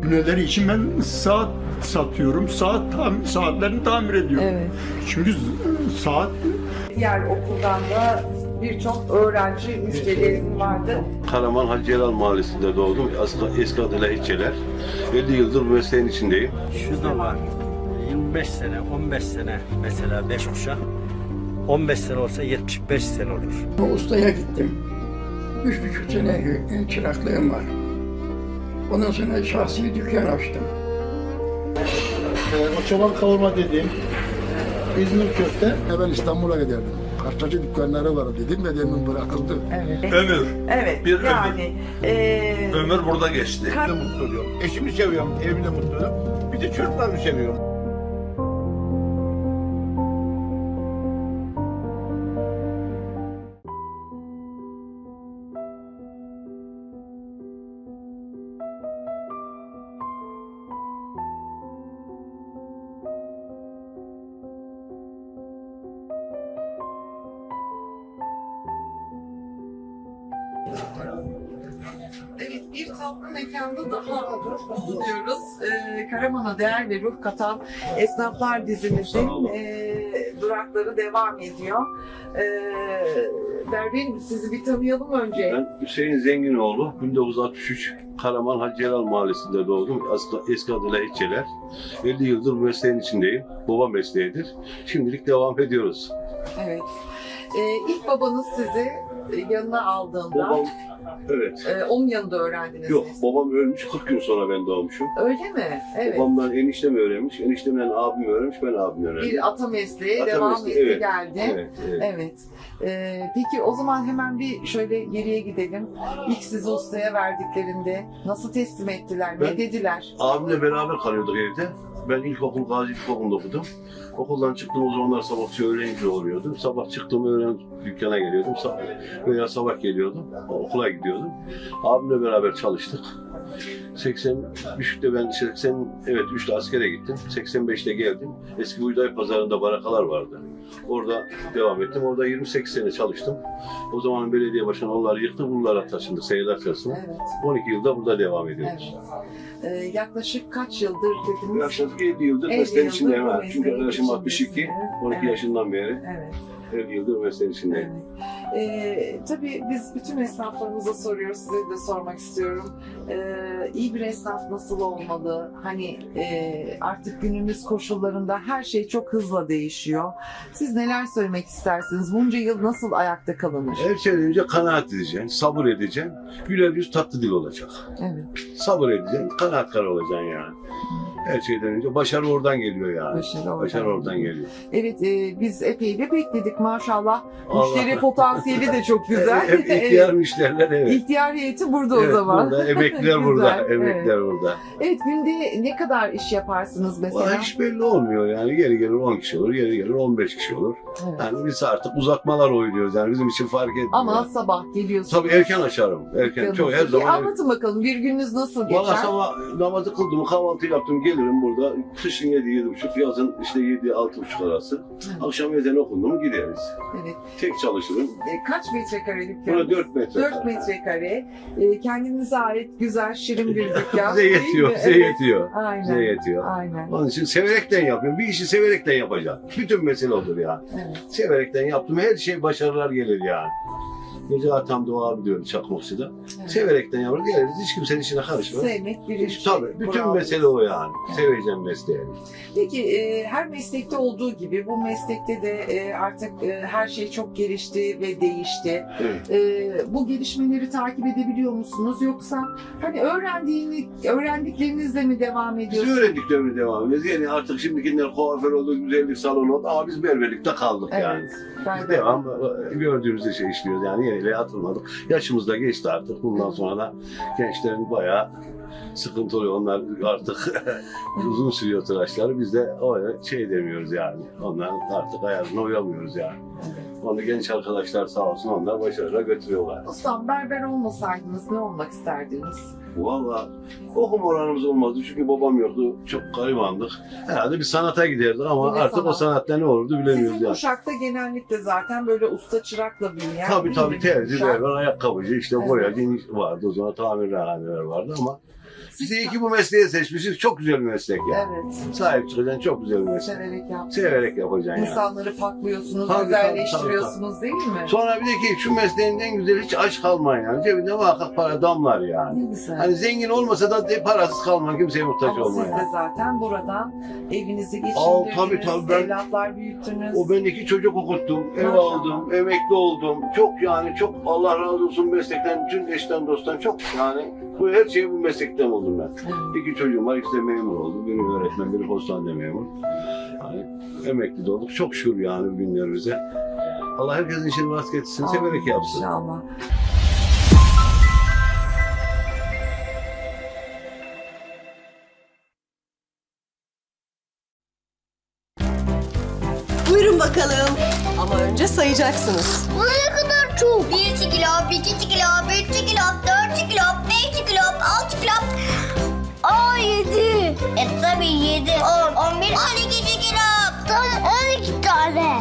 Neleri için ben saat satıyorum. Saatlerini tamir ediyorum. Evet. Çünkü saat Diğer okuldan da birçok öğrenci müşterilerim vardı. Karaman Hacı Celal Mahallesi'nde doğdum. Eski adıyla Hiççeler. 50 yıldır bu mesleğin içindeyim. Şu da var. 25 sene, 15 sene mesela 5 kuşak. 15 sene olsa 75 sene olur. Ustaya gittim. 3,5 sene çıraklığım var. Ondan sonra şahsi dükkan açtım. O çoban kavurma dediğim İzmir köfte. Ben İstanbul'a giderdim. Kartacı dükkanları var dedim ve demin bırakıldı. Ömür. Evet. Bir yani Ömür burada geçti. Ben de mutlu oluyorum. Eşimi seviyorum, evimde mutluyum. Bir de çocuklarımı seviyorum. Evet, bir tatlı mekanda daha bulunuyoruz. Karaman'a değer ve ruh katan esnaflar dizimizin durakları devam ediyor. Berberim, sizi bir tanıyalım önce. Ben Hüseyin Zenginoğlu. 1963 Karaman Hacı Celal Mahallesi'nde doğdum. Eski adıyla Hiççeler. 50 yıldır bu mesleğin içindeyim. Baba mesleğidir. Şimdilik devam ediyoruz. Evet. İlk babanız sizi yanına aldığında, Babam, evet. onun yanında öğrendiniz Yok, mi? babam ölmüş. 40 gün sonra ben doğmuşum. Öyle mi? Evet. Babamdan eniştem öğrenmiş. Eniştemden abim öğrenmiş. Ben abim öğrendim. Bir ata mesleği Ata devam mesleği, etti evet. geldi. Evet, evet. Evet. Peki o zaman hemen bir şöyle geriye gidelim. İlk sizi ustaya verdiklerinde nasıl teslim ettiler? Ne Ben- dediler? Abimle beraber kalıyorduk evde. Ben ilkokul Gazi İlkokulu'nda okudum. Okuldan çıktığım zamanlar sabahçı öğrenci oluyordum. Sabah çıktığım öğlen dükkana geliyordum. Veya sabah geliyordum. Okula gidiyordum. Abimle beraber çalıştık. 83'te ben 3'te askere gittim. 85'te geldim. Eski Buğday Pazarı'nda barakalar vardı. Orada devam ettim. Orada 28 sene çalıştım. O zaman belediye başkanı onları yıktı. Buralara taşındık. Seyirler Çarşısı'na. Evet. 12 yılda burada devam ediyoruz. Evet. Yaklaşık kaç yıldır dediniz? Yaklaşık 7 yıldır 50 mesleğin yıldır içindeyim. bu Ha. mesleğin Çünkü yaşım 62, içindesiniz. 12 Evet. yaşından beri Evet. 50 yıldır mesleğin içindeyim. Tabii biz bütün esnaflarımıza soruyoruz, size de sormak istiyorum. İyi bir esnaf nasıl olmalı? Hani artık günümüz koşullarında her şey çok hızla değişiyor. Siz neler söylemek istersiniz? Bunca yıl nasıl ayakta kalınır? Her şeyden önce kanaat edeceksin, sabır edeceksin, güler yüz tatlı dil olacak. Evet, Sabır edeceksin, kanaatkar olacaksın yani. Her şeyden önce başarı oradan geliyor yani. başarı oradan geliyor. Evet, biz epey de bekledik maşallah. Allah Müşteri Allah. potansiyeli de çok güzel. Hep ihtiyar müşteriler, evet. İhtiyar heyeti burada o Evet, zaman. burada, emekliler Güzel, burada, evet. emekliler burada. Evet, günde ne kadar iş yaparsınız mesela? Valla hiç belli olmuyor yani. Yeri gelir 10 kişi olur, yeri gelir 15 kişi olur. Evet. Yani biz artık uzatmalar oynuyoruz yani bizim için fark etmiyor. Ama sabah geliyorsunuz. Tabii erken açarım. Erken. Çok her zaman. Anlatın bakalım bir gününüz nasıl geçer? Valla sabah namazı kıldım, kahvaltı yaptım, gelirim burada. Kışın 7-7.30, yazın işte 7-6.30 arası. Akşam ezanı okundu mu gideriz. Evet. Tek çalışırım. Kaç metrekare dükkan? Burada 4 metre. 4 metrekare. Kendinize ait güzel, şirin bir dükkan. Bize değil yetiyor, mi? bize Evet. yetiyor. Aynen. Bize yetiyor. Aynen. Onun için severekten yapıyorum. Bir işi severekten yapacaksın. Bütün mesele odur ya. Evet. Severekten yaptım. Her şey başarılar gelir yani. Gece atam Doğa abi diyor Çakmakçı'da. Evet. Severekten yaparız. Geliriz. Hiç kimsenin işine karışmaz. Sevmek birinci. Tabii. Bütün kural. mesele o yani. Seveceğim mesleği. Peki her meslekte olduğu gibi bu meslekte de artık her şey çok gelişti ve değişti. Evet. Bu gelişmeleri takip edebiliyor musunuz? Yoksa hani öğrendiklerinizle mi devam Biz ediyorsunuz? öğrendiklerine devam ediyoruz. Yani artık şimdikiler kuaför oldu, güzellik salonu oldu ama biz berberlikte kaldık yani. Evet. Biz Ben devam gördüğümüz şey işliyoruz yani yeniyle atılmadık. Yaşımız da geçti artık. Bundan sonra da gençlerin bayağı sıkıntı oluyor. Onlar artık uzun sürüyor tıraşları. Biz de öyle şey demiyoruz yani. Onların artık ayarına uyamıyoruz yani. Onu genç arkadaşlar sağ olsun onlar başarıyla götürüyorlar. Ustam, berber olmasaydınız ne olmak isterdiniz? Valla okuma oranımız olmazdı çünkü babam yoktu. Çok garibandık. Herhalde bir sanata giderdik ama Yine artık sanat. o sanatta ne olurdu bilemiyoruz Sizin yani. kuşakta genellikle zaten böyle usta çırakla büyüyen Tabii değil tabii mi? terzi, Kuşak. berber, ayakkabıcı, işte Evet. boyacı vardı. O zaman tamirhaneler vardı ama Biz iyi ki bu mesleği seçmişiz. Çok güzel bir meslek yani. Evet. Sahip çıkacaksın, çok güzel bir meslek. Severek yaptınız. Severek yapacaksın yani. İnsanları paklıyorsunuz, Tabii, güzelleştiriyorsunuz değil mi? Sonra bir de ki şu mesleğin en güzeli hiç aç kalmayın yani. Cebinde muhakkak para damlar yani. Ne güzel. Hani zengin olmasa da parasız kalmayın, kimseye muhtaç Ama siz olmayın. de zaten buradan evinizi Tabii, geçindirdiniz, tabii, ben- evlatlar büyüttünüz. O ben 2 çocuk okuttum, ev Maşallah. aldım, emekli oldum. Çok yani çok Allah razı olsun meslekten, bütün eşten dosttan çok yani. Bu her şeyi bu meslekten oldum ben. Evet. 2 çocuğum var, ikisi de memur oldu. Biri öğretmen, biri postanede memur. Yani emekli de olduk. Çok şükür yani günlerimize. Allah herkesin işini rast getirsin, severek yapsın. İnşallah. Buyurun bakalım. Ama önce sayacaksınız. Bu ne kadar çok? 1 kilo, 2 kilo, 3 kilo, 4 kilo, 5 kilo, 6 kilo. Aa 7. Tabii 7. 10, 11, 12 kilo. Tam 12 tane.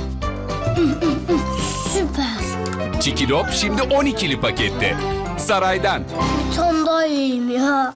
Süper. Çikilop şimdi 12'li pakette. Saraydan. Bir tane daha yiyeyim ya.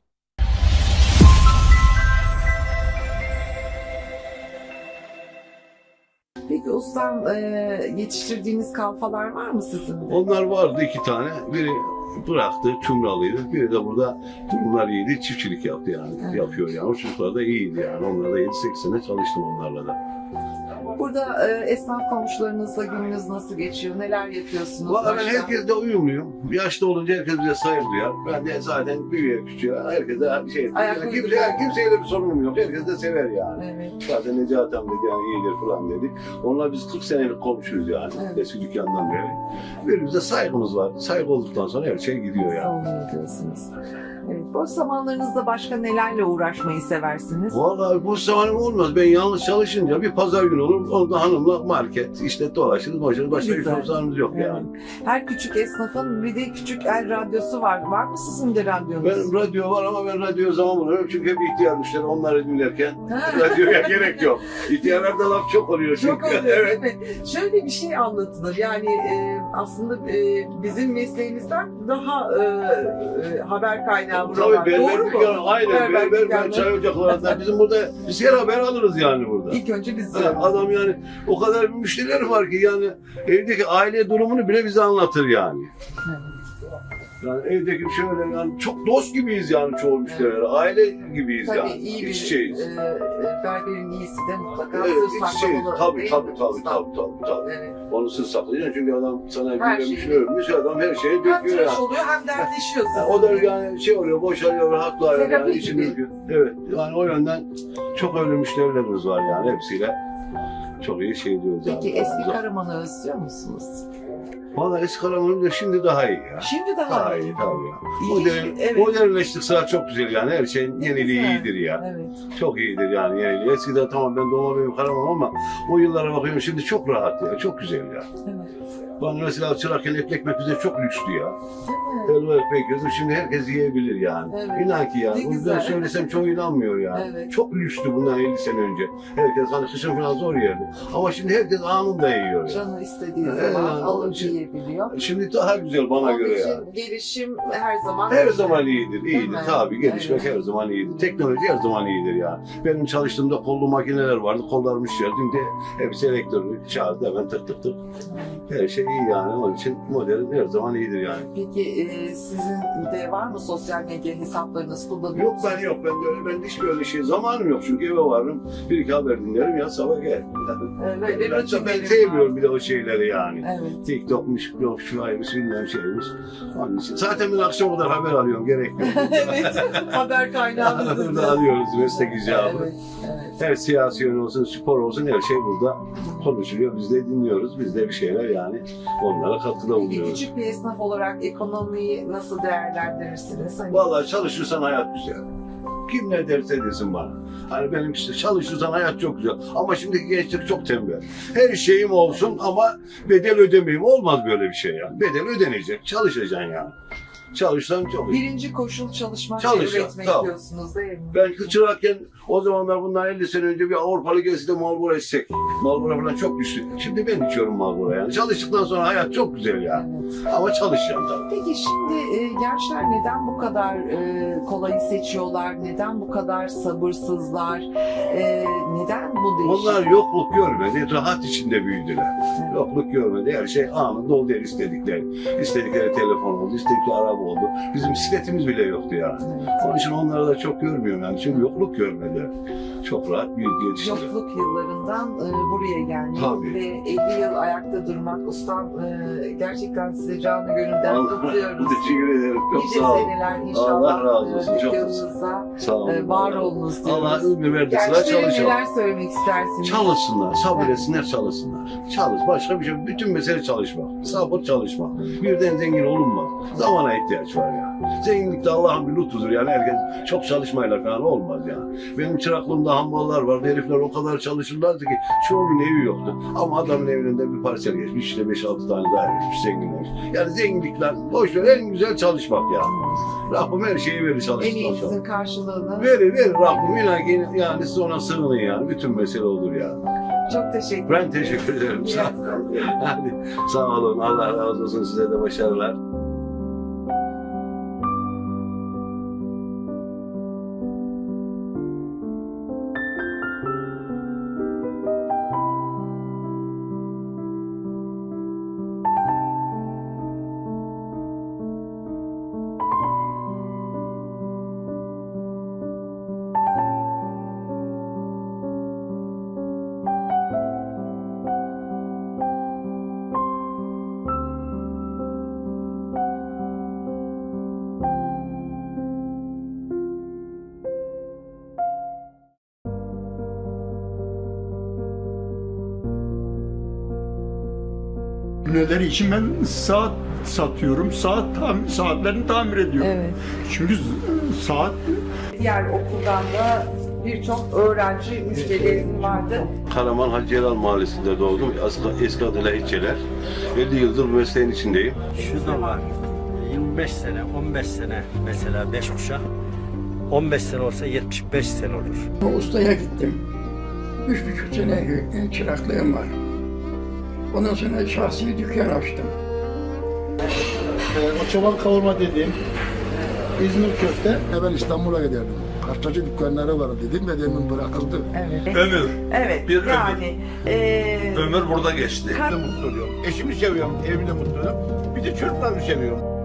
Peki ustam yetiştirdiğiniz kalfalar var mı sizin de? Onlar vardı 2 tane. Biri bıraktı, Çumralıydı. Biri de burada durumlar iyiydi, çiftçilik yaptı yani. Evet. Yapıyor yani. O çocuklar da iyiydi yani. Onlar da 7-8 sene çalıştım onlarla da. Burada esnaf komşularınızla gününüz nasıl geçiyor? Neler yapıyorsunuz? Valla ben başka? herkesle uyumluyum. Yaşlı olunca herkes bize saygı duyar. Ben de zaten büyüye küçüğe herkese şey... Ayak Yani uyduruyor. kimseyle bir sorunum yok. Herkes de sever yani. Evet. Zaten Necati amca dedi yani iyidir falan dedi. Onlar biz 40 senelik komşuyuz yani. Evet. Eski dükkandan beri. Birbirimize saygımız var. Saygı olduktan sonra her şey gidiyor yani. Oluyor diyorsunuz. Evet. Boş zamanlarınızda başka nelerle uğraşmayı seversiniz? Vallahi bu zamanım olmaz. Ben yalnız çalışınca bir pazar günü olur. Orada hanımla market, işte dolaşırız, başka bir Güzel. zamanımız yok Evet. yani. Her küçük esnafın bir de küçük el radyosu var. Var mı sizin de radyonuz? Benim radyo var ama ben radyoya zaman bulamıyorum çünkü hep ihtiyar müşteri onları dinlerken Ha. radyoya gerek yok. İhtiyarlarda laf çok oluyor çünkü. Çok oluyor Evet. değil mi? Şöyle bir şey anlatılır. Yani aslında bizim mesleğimizden daha haber kaynağı buralar. Tabii berber Doğru mu? dükkanı, aynen berber dükkanı. çay ocaklarında bizim burada biz her haber alırız yani burada. İlk önce biz Evet, adam yani o kadar müşteriler var ki yani evdeki aile durumunu bile bize anlatır yani. Yani evdeki şöyle yani çok dost gibiyiz yani çoğu müşteriler. Aile gibiyiz Tabii yani. iyi bir İç içeyiz. berberin iyisi de mutlaka Evet, sır iç içeyiz. saklamalı. Tabii değil tabii mi tabii ustam? tabii. Evet. Onu sır saklayacaksın çünkü adam sana Her bir şeyi- övmüş adam her şeyi Hem döküyor tıraş yani. oluyor hem dertleşiyor Yani o da yani şey oluyor, boşalıyor, rahatlıyor yani Terapi içini gibi. döküyor. Evet, yani o yönden çok öyle müşterilerimiz var yani hepsiyle çok iyi şey diyoruz Peki yani. eski Karaman'ı özlüyor musunuz? Valla eski Karaman'ın da şimdi daha iyi ya. Şimdi daha iyi. Tabii ya. İyi, evet. Modernleştik sıra çok güzel yani her şeyin yeniliği Güzel. iyidir ya. Evet. Çok iyidir yani yeniliği. Eskiden tamam ben doğma büyüme Karaman ama o yıllara bakıyorum şimdi çok rahat ya, çok güzel ya. Evet. Ben mesela çırakken ekmek bize çok lüksdü ya. Değil mi? Helva ekmek yiyordu şimdi herkes yiyebilir yani. Evet. İnan ki yani. Ne Bunu güzel. ben söylesem çoğu inanmıyor yani. Evet. Çok lükstü bundan 50 sene önce. Herkes hani kışın falan zor yerdi. Ama şimdi herkes anında yiyor yani. Canı istediği Evet, zaman yani alıp onun için- yiyebiliyor. Şimdi daha güzel bana Onun göre için yani. gelişim her zaman Her zaman iyidir, Değil iyidir. mi? Tabii gelişmek Evet. her zaman iyidir. Teknoloji her zaman iyidir yani. Benim çalıştığımda kollu makineler vardı, kollarım işliyor. Şimdi hepsi elektronik, şarjda hemen tık tık tık. Her şey iyi yani. Onun için modern her zaman iyidir yani. Peki sizin de var mı sosyal medya hesaplarınız kullanıyor Yok musunuz? ben yok, ben de hiçbir öyle şey zamanım yok çünkü eve varım, bir iki haber dinlerim ya sabah gel. Böyle Ben rutinlerim sevmiyorum var. bir de o şeyleri yani. Evet. TikTok'muş, yok şu aymış, bilmem şeymiş. Onun için. Zaten ben akşam kadar haber alıyorum, gerek yok. Evet. Haber kaynağımız Burada alıyoruz meslek icabı. Evet. Evet. Her siyasi yön olsun, spor olsun her şey burada konuşuluyor. Biz de dinliyoruz. Biz de bir şeyler yani onlara katkıda Peki bulunuyoruz. küçük bir esnaf olarak ekonomiyi nasıl değerlendirirsiniz? Hani Vallahi çalışırsan hayat güzel. Kim ne derse desin bana. Hani benim işte çalışırsan hayat çok güzel. Ama şimdiki gençlik çok tembel. Her şeyim olsun ama bedel ödemeyeyim. Olmaz böyle bir şey yani. Bedel ödenecek. Çalışacaksın yani. Çalışan çok iyi. Birinci koşul çalışmak ve Çalışan, üretmek tamam. diyorsunuz değil mi? Ben çırakken o zamanlar bundan 50 sene önce bir Avrupalı gelse de Marlboro içsek. Marlboro falan çok güçlü. Şimdi ben içiyorum Marlboro yani. Çalıştıktan sonra hayat çok güzel ya. Evet. Ama çalışacağım tabii. Peki şimdi gençler neden bu kadar kolayı seçiyorlar? Neden bu kadar sabırsızlar? Neden bu değişim? Onlar yokluk görmedi, rahat içinde büyüdüler. Yokluk görmedi, her şey anında oldu her istedikleri. İstedikleri telefon oldu, istedikleri araba oldu. Bizim bisikletimiz bile yoktu yani. Onun için onları da çok görmüyorum yani. Çünkü yokluk görmedi. Çok rahat büyüdü, yetiştiler. Yokluk yıllarından buraya gelmek Tabii. ve 50 yıl ayakta durmak. Ustam gerçekten size canı gönülden kutluyoruz. Teşekkür ederim. Çok Nice sağ olun. seneler inşallah. Allah razı olsun, çok dükkanınızda Sağ olun. var olunuz diyoruz. Allah ömür verdi sıra Gençlere çalışalım. neler söylemek istersiniz? Çalışsınlar, sabretsinler, çalışsınlar. Çalış, başka bir şey. Bütün mesele çalışmak. Sabır çalışmak. Birden zengin olunmaz. Zamana ihtiyaç var ya. Zenginlik de Allah'ın bir lütfudur yani. Herkes çok çalışmayla falan olmaz yani. Benim çıraklığımda hamballar vardı. Herifler o kadar çalışırlardı ki çoğunun evi yoktu. Ama adamın evinde bir parsel geçmiş. İşte 5-6 tane daha vermiş, zenginlemiş. Yani zenginlikler, boş ver, en güzel çalışmak yani. Rabbim her şeyi verir çalıştıktan sonra. Emeğinizin karşılığını. Verir Rabbim yani siz ona sığının yani. Bütün mesele olur ya. Çok teşekkür Ben teşekkür ederim. Sağ olun. Hadi sağ olun. Allah razı olsun. Size de başarılar. Neler için ben saat satıyorum. Saatlerini tamir ediyorum. Evet. Çünkü saat Diğer okuldan da birçok öğrenci müşterilerim vardı. Karaman Hacı Celal Mahallesi'nde doğdum. Eski adıyla Hiççeler. 50 yıldır bu mesleğin içindeyim. Şu zaman 25 sene, 15 sene mesela 5 kuşak. 15 sene olsa 75 sene olur. Ustaya gittim. 3,5 sene çıraklığım var. Ondan sonra şahsi dükkan açtım. O çoban kavurma dediğim İzmir köfte. Ben İstanbul'a giderdim. Kartacı dükkanları var dedim de demin bırakıldı. Evet. Ömür. Evet. Bir yani Ömür burada geçti. Ben de mutlu oluyorum. Eşimi seviyorum, evimde mutluyum. Bir de çocuklarımı seviyorum.